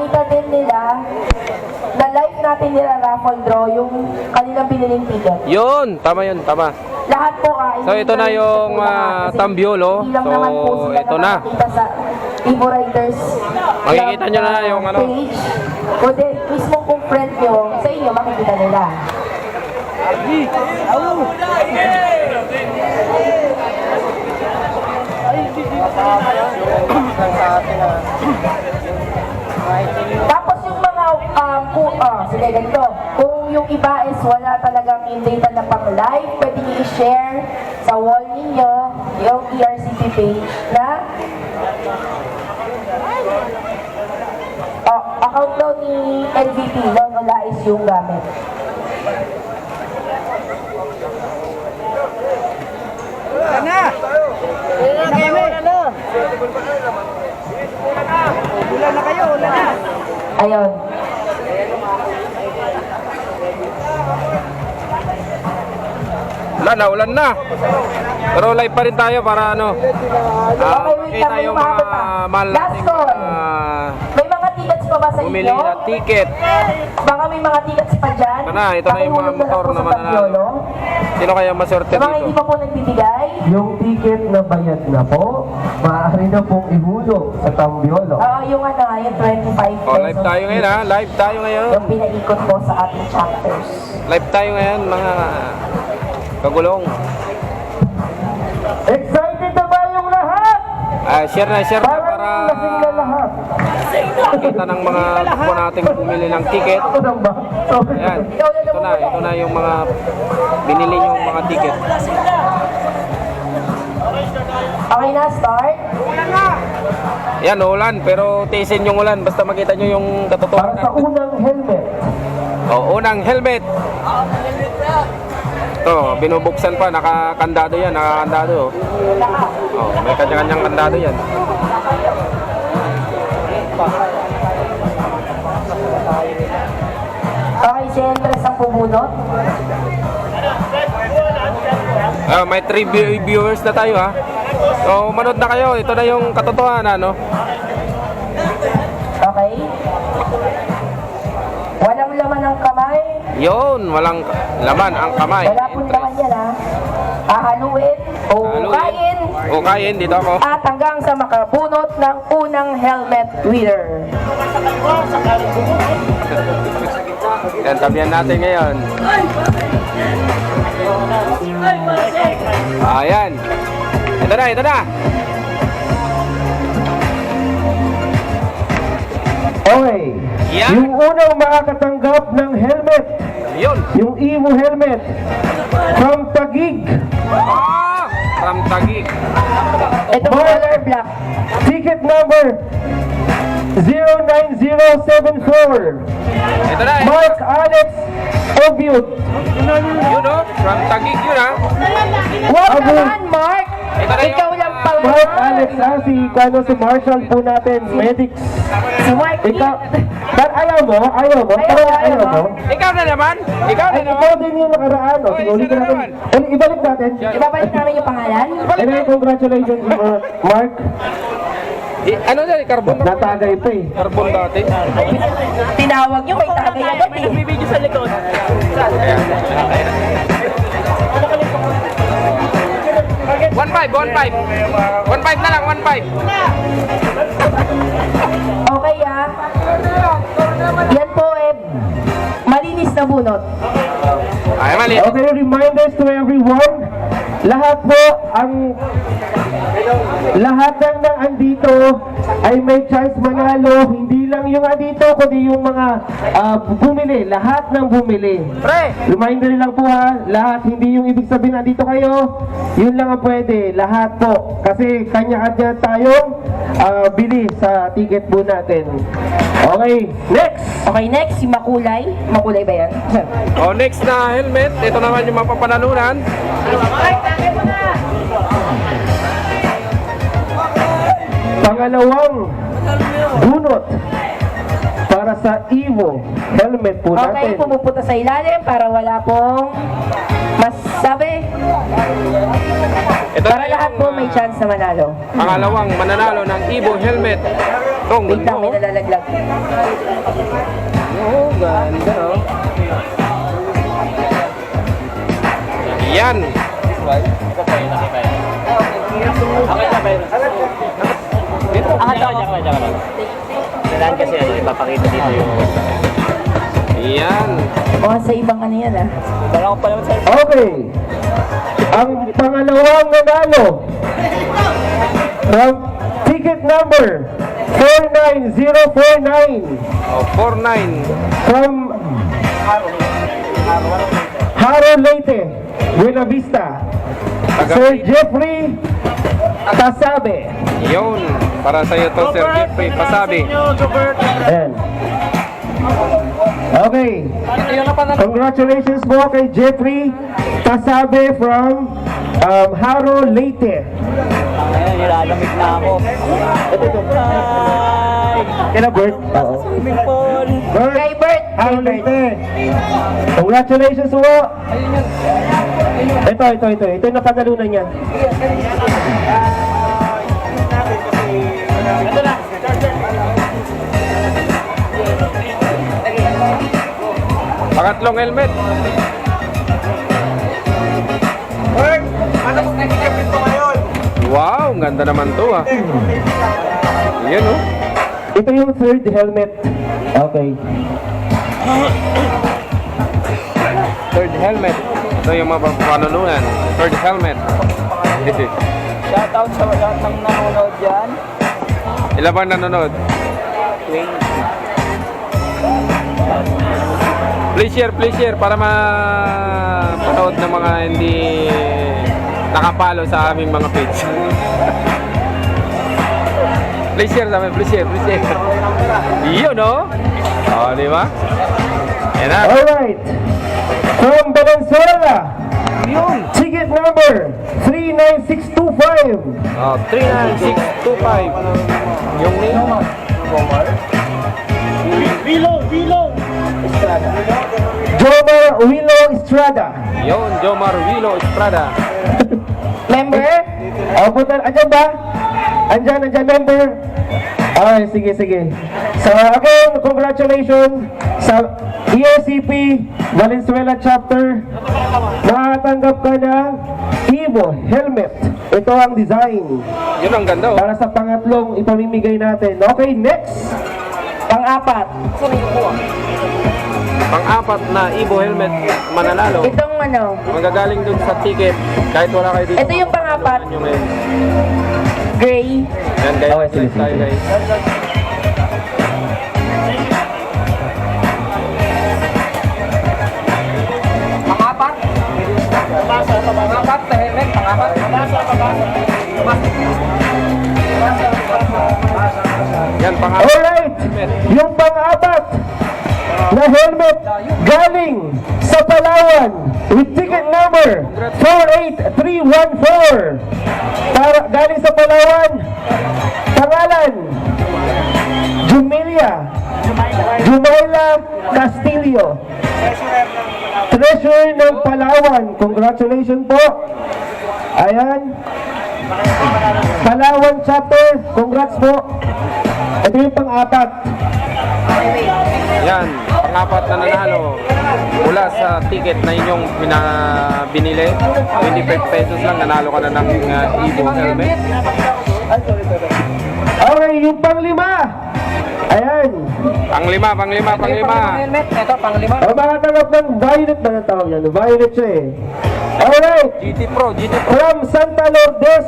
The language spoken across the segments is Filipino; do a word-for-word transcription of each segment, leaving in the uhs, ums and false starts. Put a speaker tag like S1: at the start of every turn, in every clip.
S1: makita din nila na live natin nila raffle draw yung kanilang biniling ticket.
S2: Yun, tama yun, tama.
S1: Lahat po ay
S2: So, ito na yung uh, Tambiolo. So, ito na.
S1: Sa Evo Riders
S2: Makikita nyo na yung ano.
S1: page. Kundi mismo kung friend nyo, sa inyo makikita nila. Tapos yung mga um, kung, oh, sige ganito, kung yung iba is wala talagang yung data na pang live, pwede nyo i-share sa wall ninyo yung E R C P page na oh, account daw ni L V P, no, wala is yung gamit.
S3: Ulan na! Ulan na kayo! Ulan na! Ulan na kayo! Ulan na!
S1: Ayun.
S2: Ulan na, ulan na. Pero live pa rin tayo para ano. Uh,
S1: Okay, wait lang, may
S2: yung
S1: umabot
S2: mga
S1: pa.
S2: mahal
S1: Last
S2: nating
S1: call.
S2: uh,
S1: May mga tickets pa ba sa
S2: bumili
S1: inyo?
S2: na ticket.
S1: Baka may mga tickets pa dyan.
S2: Ito na, ito na yung mga
S1: Pakihulog
S2: motor
S1: lang po
S2: na
S1: sa
S2: mananalo.
S1: Tambiolo.
S2: Sino kaya maswerte
S1: Sa mga hindi
S2: dito?
S1: pa po nagbibigay,
S4: Yung ticket na bayad na po, maaari na pong ihulog sa Tambiolo.
S1: ah yung ano, yung twenty-five pesos.
S2: Oh, live tayo ngayon ha. Live tayo ngayon.
S1: Yung pinaikot po sa ating chapters.
S2: Live tayo ngayon mga kagulong.
S4: Excited na ba yung lahat?
S2: Ah, share na, share na para
S4: Parang lasing na lahat.
S2: makita ng mga po nating bumili ng ticket.
S4: Ito lang ba? Sorry.
S2: Ayan. Ito na, ito na yung mga binili yung mga ticket.
S1: Okay na, start?
S2: Yan, ulan. Pero tiisin yung ulan. Basta makita nyo yung
S4: Para
S2: katotohanan.
S4: sa unang helmet.
S2: O, unang helmet. Ito, binubuksan pa. Nakakandado yan. Nakakandado. Oh, may kanya-kanyang kandado yan.
S1: Okay, si Andres ang pumunot.
S2: Ah, may three viewers na tayo ha. So, manood na kayo. Ito na yung katotohanan, no?
S1: Okay? Walang laman ang kamay.
S2: Yun, walang laman ang kamay.
S1: Wala pong laman yan, ha? Hahaluin o kain.
S2: O kain, dito ako.
S1: At hanggang sa makabunot ng unang helmet winner.
S2: Yan, tabihan natin ngayon. Ayan. Ito na, ito na.
S4: Okay.
S2: Yan.
S4: Yung unang makakatanggap ng helmet,
S2: Yun.
S4: yung Evo helmet, from Taguig,
S2: Ah! From Taguig.
S1: Ito po color black.
S4: ticket number zero nine zero seven four,
S2: Ito na, ito.
S4: Mark Alex Obiut.
S2: Yun, oh. From Taguig yun, ha.
S1: Wag
S4: Abo.
S1: naman, Mark!
S2: Ito na
S1: Ikaw
S2: yung...
S1: lang pala.
S4: Mark Alex, ah, si, ano, si Marshall po natin, medics.
S1: Si Mark.
S4: Ikaw, but ayaw mo, ayaw mo,
S1: Ayaw,
S4: ayaw,
S1: ayaw,
S4: ayaw mo.
S2: Ikaw na naman. Ikaw na
S4: Ay,
S2: naman.
S4: ikaw din yung nakaraan, oh.
S2: Oy,
S4: Sige, ulit
S2: siya na
S4: natin.
S2: naman.
S4: Ulit, ibalik natin.
S1: Ibabalik namin yung pangalan.
S4: Anyway, congratulations, Mark. Mark,
S2: Eh, ano na, carbon na.
S4: natagay pa eh.
S2: Carbon dati.
S1: Tinawag nyo, may tagay agad eh.
S3: Nagbibideo sa likod.
S2: One five, one five. One five na lang, one five.
S1: Okay ah. Yan po eh. Malinis na bunot.
S2: Ay, mali.
S4: Okay, reminders to everyone. Lahat po ang lahat ng nang andito ay may chance manalo. Hindi lang yung andito, kundi yung mga ah, bumili. Lahat ng bumili.
S2: Pre!
S4: Reminder lang po ha, lahat. Hindi yung ibig sabihin andito kayo. Yun lang ang pwede. Lahat po. Kasi kanya-kanya tayong ah, bili sa ticket po natin. Okay, next!
S1: Okay, next, si Makulay. Makulay ba yan?
S2: O, next na helmet. Ito naman yung mapapanalunan.
S4: Pangalawang bunot para sa Evo helmet po
S1: Okay,
S4: natin.
S1: pumupunta sa ilalim para wala pong masabi.
S2: Ito
S1: Para
S2: na
S1: lahat
S2: yung,
S1: po
S2: ah,
S1: may chance na manalo.
S2: Pangalawang mananalo ng Evo helmet. Ito, ang
S1: Wait
S2: ganda,
S1: lang, may
S2: oh.
S1: nalalaglag.
S2: Oh, ganda, oh. Yan.
S3: Ah, tsaka, tsaka, tsaka. Kailangan kasi ano, ipapakita dito yung...
S2: Yan.
S1: O, sa ibang ano yan ah.
S3: Wala ko pa naman sa...
S4: Okay. Ang pangalawang nanalo from ticket number four nine zero four nine
S2: Oh, four nine.
S4: from Haro Leyte, Buena Vista, Sir Jeffrey Tasabe.
S2: Yun. Para sa'yo to, Sir Jeffrey Pasabi.
S4: Ayan. Okay. Congratulations po kay Jeffrey Tasabe from um, Haro Leyte.
S3: Ayun, nilalamig na ako. Hi!
S4: Kina Bert? Oo.
S3: Swimming pool!
S4: Bert,
S1: Kay Bert!
S4: Haro Leyte. Congratulations po. Ito, ito, ito. Ito yung napagalunan niya.
S3: Ito na!
S2: Pangatlong helmet. Wow, ang ganda naman to ah. Yan oh.
S4: Ito yung third helmet. Okay.
S2: Third helmet. Ito yung mga panununan. Third helmet.
S3: Shoutout sa lahat ng nanonood dyan.
S2: Ilan bang nanonood?
S3: twenty.
S2: Please share, please share para mapanood ng mga hindi nakapalo sa aming mga page. Please share sa amin, please share, please share. Yun no? O, di ba? Yan na.
S4: Alright. From Valenzuela,
S2: Yun.
S4: ticket number three nine six two five.
S2: Oh, three nine six two five. Yung name.
S4: Jomar Wilo Estrada.
S2: Yun, Jomar Wilo Estrada.
S1: Member?
S4: O, punta, andyan ba? Andyan, andyan, member. Ay, sige, sige. So, again, congratulations sa E R C P Valenzuela Chapter. Nakatanggap ka ng Evo Helmet. Ito ang design
S2: Yun ang ganda oh.
S4: para sa pangatlong ipamimigay natin. Okay, next.
S1: Pang-apat.
S2: Pang-apat na Evo helmet mananalo.
S1: Itong ano,
S2: Magagaling dun sa ticket kahit wala kayo dito.
S1: ito yung pang-apat.
S2: Yung ngayon.
S1: Gray.
S2: Yan guys,
S4: Okay, sige,
S2: like tayo
S4: sige.
S2: guys.
S3: Pangapat? Pabasa, pabasa. Pangapat na helmet, pangapat. Pabasa, pabasa.
S2: Yan, pang-apat.
S4: Alright, yung pang-apat na helmet galing sa Palawan with ticket number four eight three one four. Para, galing sa Palawan, pangalan, Jumelia, Jumaila Castillo. Treasurer ng Palawan. Congratulations po. Ayan. Palawan chapter. Congrats po. Ito yung pang-apat.
S2: Yan, pang-apat na nanalo mula sa ticket na inyong pina- binili. twenty-five pesos lang, nanalo ka na ng uh, Evo helmet.
S4: Okay, yung pang-lima. Ayan.
S2: Pang-lima, pang-lima, pang-lima.
S3: Helmet, ito, panglima.
S4: O, makatanggap ng violet ba na tawag yan? Violet siya eh. Alright.
S2: G T Pro, G T Pro.
S4: From Santa Lourdes.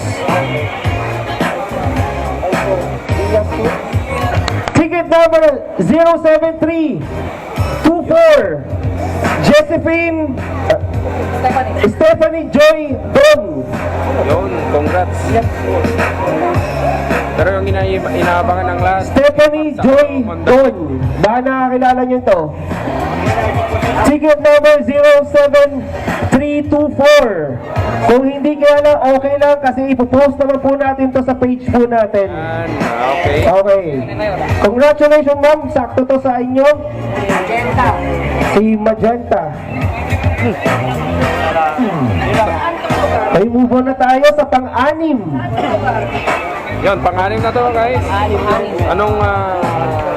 S4: Ticket number zero seven three two four. Josephine uh, Stephanie Joy Don.
S2: Yun, congrats. Pero yung ina inaabangan ng last,
S4: Stephanie Joy Don. Baka nakakilala niyo to. Ticket number zero seven three two four. Kung hindi kilala, okay lang kasi ipopost naman po natin to sa page po natin.
S2: yan, okay.
S4: Okay. Congratulations ma'am, sakto to sa inyo. Si Magenta. May move on na tayo sa pang-anim.
S2: Yun, pang-anim na to guys. Anong ah,